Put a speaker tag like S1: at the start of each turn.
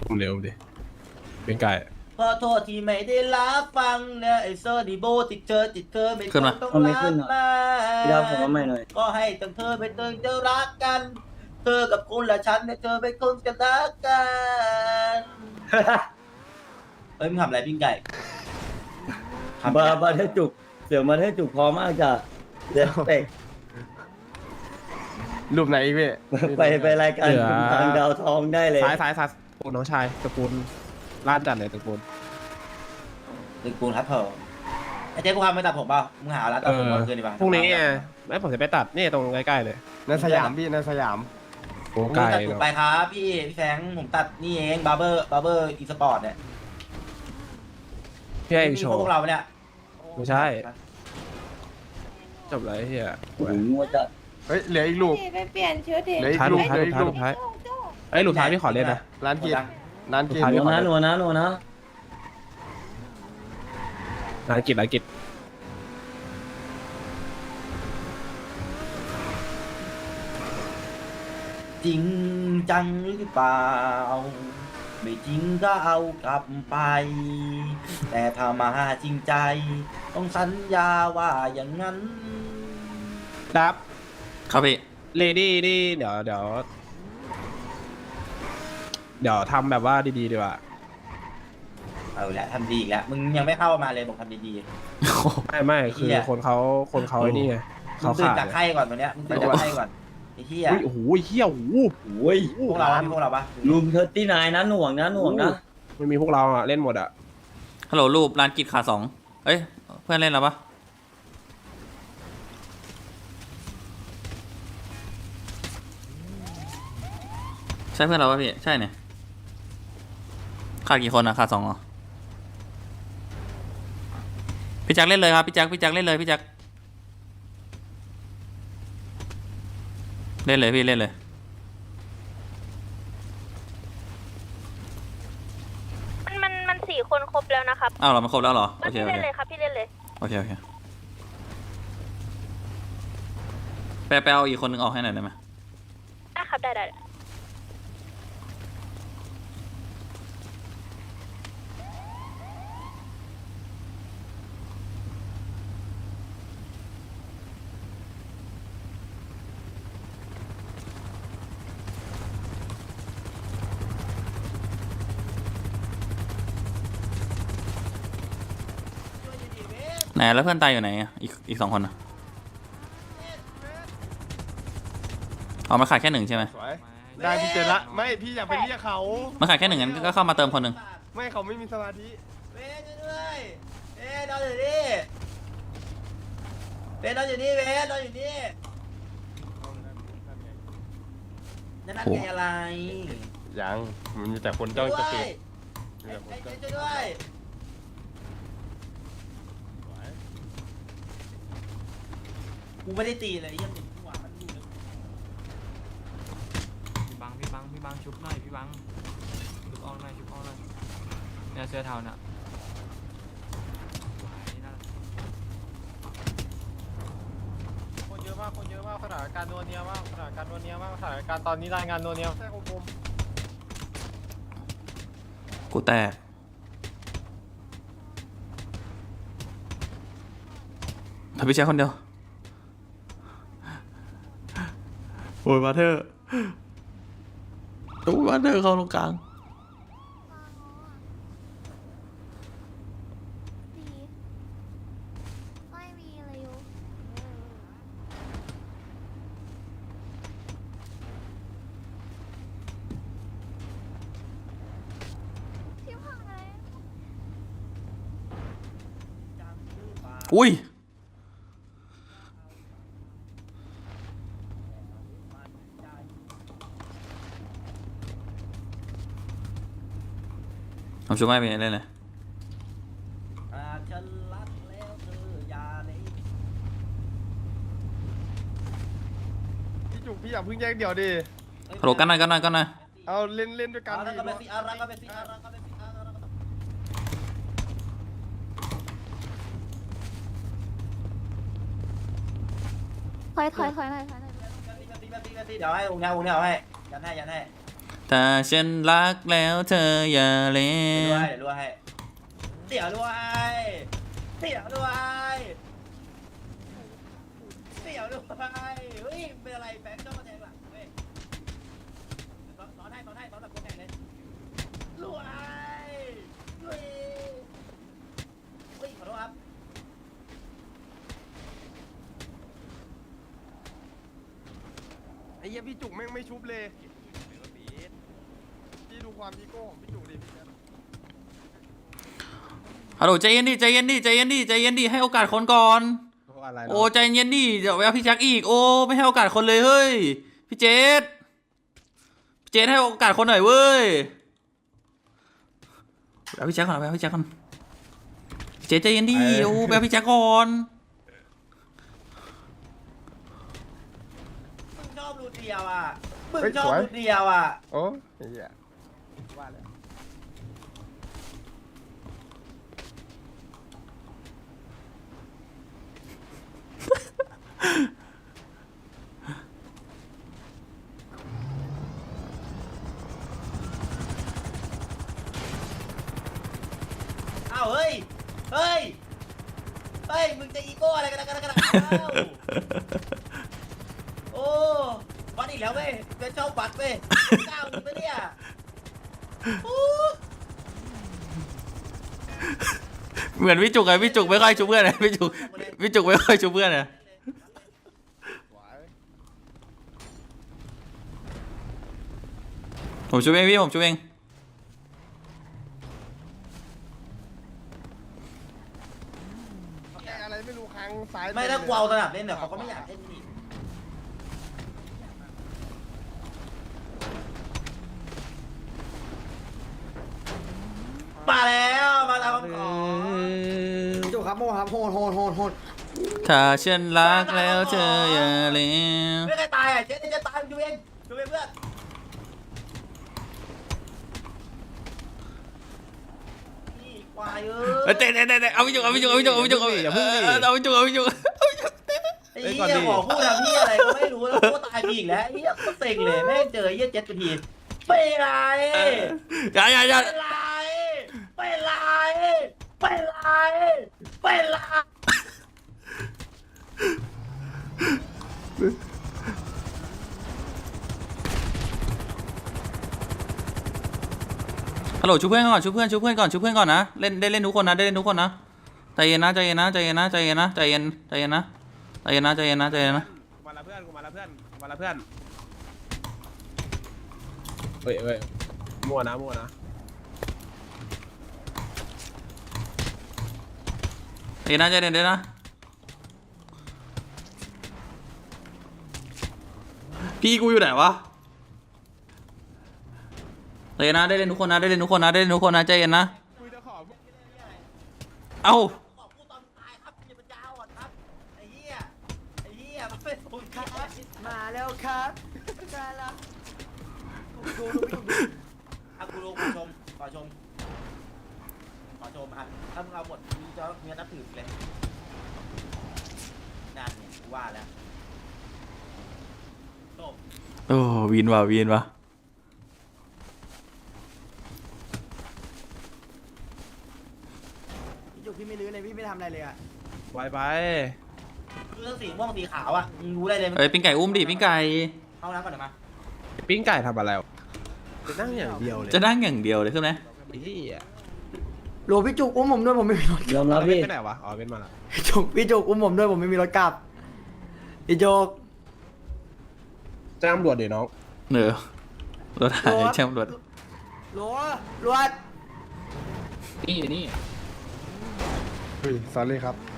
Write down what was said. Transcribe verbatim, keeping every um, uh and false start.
S1: เร็วดิเป็นไก่
S2: ขอโทษที่ไม่ได้รับฟังนะไอ้โซดีโบติดเธอติดเธอไม่ต้องต้องรักมาพี่ดาวผมว่าไม่หน่อยก็ให้ตั้งเธอไปเติมเธอรักกันเธอกับคุณและฉันเนี่ยเธอเป็นคนกันรักกันเฮ้ยมึงทำอะไรปิ้งไก่
S3: บาบาเทจุกเสือมาเทจุกพอมากจ้ะเด็ดเตะ
S1: รูปไหนอีกพี่
S3: ไปไปรายการคุณทางดาวทองได้เลย
S1: สายสายสายตระกูลน้องชายตระกูลล้านจัดเลยตระกูล
S2: ตึกปูนครับเถอะไอ้เจ๊กูพาไปตัดผมเปล่ามึงหาร้านตัดผมมาคืนดีป่ะ
S1: พรุ่งนี้ไงไม่ผมจะไปตัดนี่ตรงใกล้ๆเลย
S4: ในสยามพี่ในสยาม
S1: โอ้
S2: ผม
S1: ไกล
S2: ตัดถูกไปครับพี่พี่แฟงผมตัดนี่เองบาร์เบอร์บาร์เบอร์อีสปอร์ตเนี่ย
S1: พี่ให้โช
S2: พ
S1: ว์
S2: วกเราเนี่ย
S1: ไม่ใช่จบเลยเฮีย
S3: โอ้โหงัวจัด
S4: เฮ้ยเหลืออีกลูก
S5: ไปเปลี่ยนชุดดิ
S4: เหลืออีก
S1: ท้าย
S4: ลู
S1: ลู
S4: ก
S1: กท้าย
S4: เหลือ
S1: ลู
S4: อี
S1: ก
S4: ก
S1: ท้าย
S4: ลู
S1: ลู
S4: ก
S1: กท้ายเอ้ยลูกท้ายพี่ขอเล่นนะ
S4: ร้านกินร้านกิน
S1: ท้าย
S3: นัวนะนัวนะนัวนะ
S1: ร้านกิจร้านกิจ
S2: จริงจังหรือเปล่าไม่จริงก็เอากลับไป แต่ถ้ามาจริงใจ ต้องสัญญาว่าอย่างนั้น
S1: ดับ
S6: ครับพี่
S1: เลดี้นี่เดี๋ยวเดี๋ยวเดี๋ยวทำแบบว่าดีๆดีกว่า
S2: เอาละทำดีอีกแล้วมึงยังไม่เข้ามาเลยบอกทำดี
S1: ไม่ไม่คือ
S2: เหี้ย
S1: คนเขาคนเขาไอ้นี่ไง
S2: ๆมึ
S1: เขา
S2: งตื่น
S1: ขาด
S2: จากไข้ก่อนตัวเนี้ยมึงตื่นจากไข้ก่อนไอ้เหี้ย
S1: อุ้ยโอ้โหเฮียโอ้โห
S3: โอ้ย
S2: พวกเราอะมีพวกเราปะ
S3: ลุมเทอร์ตี้นายนะหน่วงนะหน่วงนะ
S1: ไม่มีพวกเราอ่ะเล่นหมดอ่ะ
S6: ฮัลโหลรูปร้านกิจขาสองเอ้ยเพื่อนเล่นแล้วปะใช่เพื่อนเราปะพี่ใช่เนี่ยขาดกี่คนอะขาดสองเหรอพี่แจ็คเล่นเลยครับพี่แจ็คพี่แจ็คเล่นเลยพี่แจ็คเล่นเลยพี่เล่นเลย
S5: มันมันมันสี่คนครบแล้วนะครับ
S6: อ้าวเรามาครบแล้วเหรอโอเค
S5: พี่
S6: โอ
S5: เล่
S6: เคน
S5: เลยครับพี่เล่นเลย
S6: โอเคโอเคไปไปเอาอีกคนนึงออกให้หน่อยได้ไหม
S5: ได้ครับได้ได้
S6: ไหนแล้วเพื่อนตายอยู่ไหนอะอีกอีกสองคนอะเอามาขาดแค่หนึ่งใช่ไหม
S4: สวยได้พี่เจนละไม่พี่อย่าไปเรียกเขา
S6: มาขาดแค่หนึ่งงั้นก็เข้ามาเติมคนหนึ่ง
S4: ไม่เขาไม่มีสมาธิ
S2: เว้ยช่วยด้วยเว้ยนอนอยู่นี่เว้ยนอนอยู่นี่เว้ยนอนอยู่นี่นั่นนั่นไงอะไร
S4: ยังมันมีแต่คนจ้องจะปิด
S2: ไอ้ไอ้ช่วยด้วยกูไม่ได้ตีเลยยังติดหัวมันอยู่เลย
S7: พี่บังพี่บังพี่บังชุบหน่อยพี่บังชุบออกหน่อยชุบออกหน่อยเนี่ยเสื้อเทาน่ะไหวนั่น
S4: คนเยอะมากคนเยอะมากสถานการณ์นัวเนียมากสถานการณ์นัวเนียมากสถานการณ์ตอนนี้รายงานนัวเนียใช่ผมผม
S6: กูแตกถ้าพี่แจ็คคนเดียวโอ้ยมาเธอตู้มาเธอเข้าตรงกลาง
S5: ไม่มีอะไรอยู่พี่พังอะไร
S6: อุ้ยผมช่วยไม่เป็นเล่นเลย
S2: อ่าฉันรักแล้วเธออย่าเลย
S4: พี่จุกพี่อย่าเพิ่งแยกเดี่ยวดิ
S6: ฮัลโหลกันหน่อยกันหน่อยกันหน่อย
S4: เอาเล่นเล่นด้วยกัน
S2: เอา
S4: ดิ
S2: แล้วก็ไปสิเอาแล้วก็ไปสิเอาแล้วก็ไปสิเอาแล้วก็ไปสิ
S5: ถอยถอยถอยหน่อยถอยหน่อย
S2: แป๊บนึงแป๊บนึงแป๊บนึงเดี๋ยวให้องค์เนี้ยองค์เนี้ยเอาให้ยันให้ยันให้
S6: ถ้าฉันรักแล้วเธออย่าเล
S2: เดี๋ยว
S6: ว
S2: ด้วยเดี๋ยวด้วยเดี๋ยวด้วยเดี๋ยวด้วยเดี๋ยวด้วยเฮ้ยเป็นอะไรแบงค์เจ้ามาแทงหลังเว้ยซ้อนให้ซ้อนให้ซ้อนแบบคนแทงเลยรวยรวยเฮ้ยขอโทษครับ
S4: ไอ้เหี้ยพี่จุกแม่งไม่ชุบเลยพี่ดูความอีโก้ของพี่จุกดิพี่
S6: ฮัลโหลใจเย็นดิใจเย็นดิใจเย็นดิใจเย็นดิให้โอกาสคนก่อน
S1: เพราะอะไร
S6: โอ้ใจเย็นดิเดี๋ยวไปเอาพี่แจ็คอีกโอ้ไม่ให้โอกาสคนเลยเฮ้ยพี่เจษพี่เจษให้โอกาสคนหน่อยเว้ยไปเอาพี่แจ็คก่อนไปเอาพี่แจ็คก่อนพี่เจษใจเย็นดิโอ้ไปเอาพี่แจ็คก่อน
S2: มึงชอบรูดเดียวอ่ะมึงชอบรูดเดียวอ่ะ
S4: โอ้ยเหี้ยว่าแล้ว
S2: อ้าวเฮ้ยเฮ้ยเฮ้ยมึงจะอีโก้อะไรกันนะกันนะกันนะอ้าวโอ้บัตรอีกแล้วเว้ยเป็นเจ้าบัตรเว้ยก้าวมึงไปเนี่ยโอ้
S6: เหมือนพี่จุกไงพี่จุกไม่ค่อยชุบเพื่อนเลยพี่จุกพี่จุกไม่ค่อยชุบเพื่อนเลยผมชุบเองพี่ผมชุบเอง
S4: อะไรไม่รู้ค้างซ้าย
S2: ไม่ถ้ากูเอาสนับเล่นเนี่ยเขาก็ไม่อยากเล่นนี่มาแล้วมาตามคำขอ
S8: จุกครับโมครับโหดโหดโหดโหด
S6: ถ้าฉันรักแล้วเธออย่าเลว
S2: ไม่ใครตายอ่ะเจ๊จะตายดูเองดูเองเพื่อนนี่ควายเอ้ย
S6: เตะเตะเตะเอาพี่จุกเอาพี่จุกเอาพี่จุกเอาพี่จุกเอาพี่จุกเอาพี่จุกเอาพี่จุก
S2: ไอ้เหี้ยขอพูดทำพี่อะไรก็ไม่รู้แล้วกูตายไปอีกแล้วไอ้เหี้ยก็เซ็งเลยแม่งเจอไอ้เหี้ยเจ็ดทีเป็นไร
S6: อย่าอย่าอย่า
S2: เป็นไรเป็นไรเป็นไรเป็นไร
S6: ฮัลโหลชุบเพื่อนก่อนชุบเพื่อนชุบเพื่อนก่อนชุบเพื่อนก่อนนะเล่นได้เล่นทุกคนนะได้เล่นทุกคนนะใจเย็นนะใจเย็นนะใจเย็นนะใจเย็นนะใจเย็นใจเย็นนะใจเย็นนะใจเย็นนะใจเย็นนะ
S1: กูมาละเพื่อนกูมาละเพื่อนกูมาละเพื่อนเฮ้ยเฮ้ยมั่วนะมั่วนะ
S6: ใจเย็นนะใจเย็นนะพี่กูอยู่ไหนวะใจเย็นนะได้เล่นทุกคนนะได้เล่นทุกคนนะได้เล่นทุกคนนะใจเย็นนะเอ้า
S2: ขอพูดตอนตายครับอย่าเป็นยาวอ่ะครับไอ้เหี้ยไอ้เหี้ยมันเป็นคนแค่
S8: มาแล้วครับมาแล้วดูดูดูดู
S2: อ่ะกูรู้ขอชมขอชมขอชมอ่ะถ้ามึงเอาหมดมีจะเมียนับถือเลยนั่นเนี่ยกูว่าแล้วจบ
S6: โอ้วินว่ะวินว่ะ
S8: พี่จุกพี่ไม่รื้อเลยพี่ไม่ทำอะไรเลยอ่ะ
S1: ไวไป
S2: คือเรื่องสีม่วงสีขาวอ่ะมึงรู้อะไรเลยมึง
S6: เอ้ยปิ้งไก่อุ้มดิปิ้งไก่
S2: เข้าน้ำก่อนเดี๋ยวมา
S1: ปิ้งไก่ทำอะไรวะจะนั่งอย่างเดียวเลย
S6: จะนั่งอย่างเดียวเลยใช่ไหม
S1: ไอ้เหี้ย
S8: โหลพี่จุกอุ้มผมด้วยผมไม่มีรถ
S3: ยอมรับ
S1: เอา
S3: พี่
S1: ไปไหนวะอ๋อเป็นมาละ
S8: พี่จุกพี่จุกอุ้มผมด้วยผมไม่มีรถกลับพี่จุก
S1: แจ้งตำรวจดิน้อง
S6: เนอะรถหายแช่มรถ
S8: โหลรวด
S1: นี่อยู่นี่
S9: เฮ้ย sorry ครับ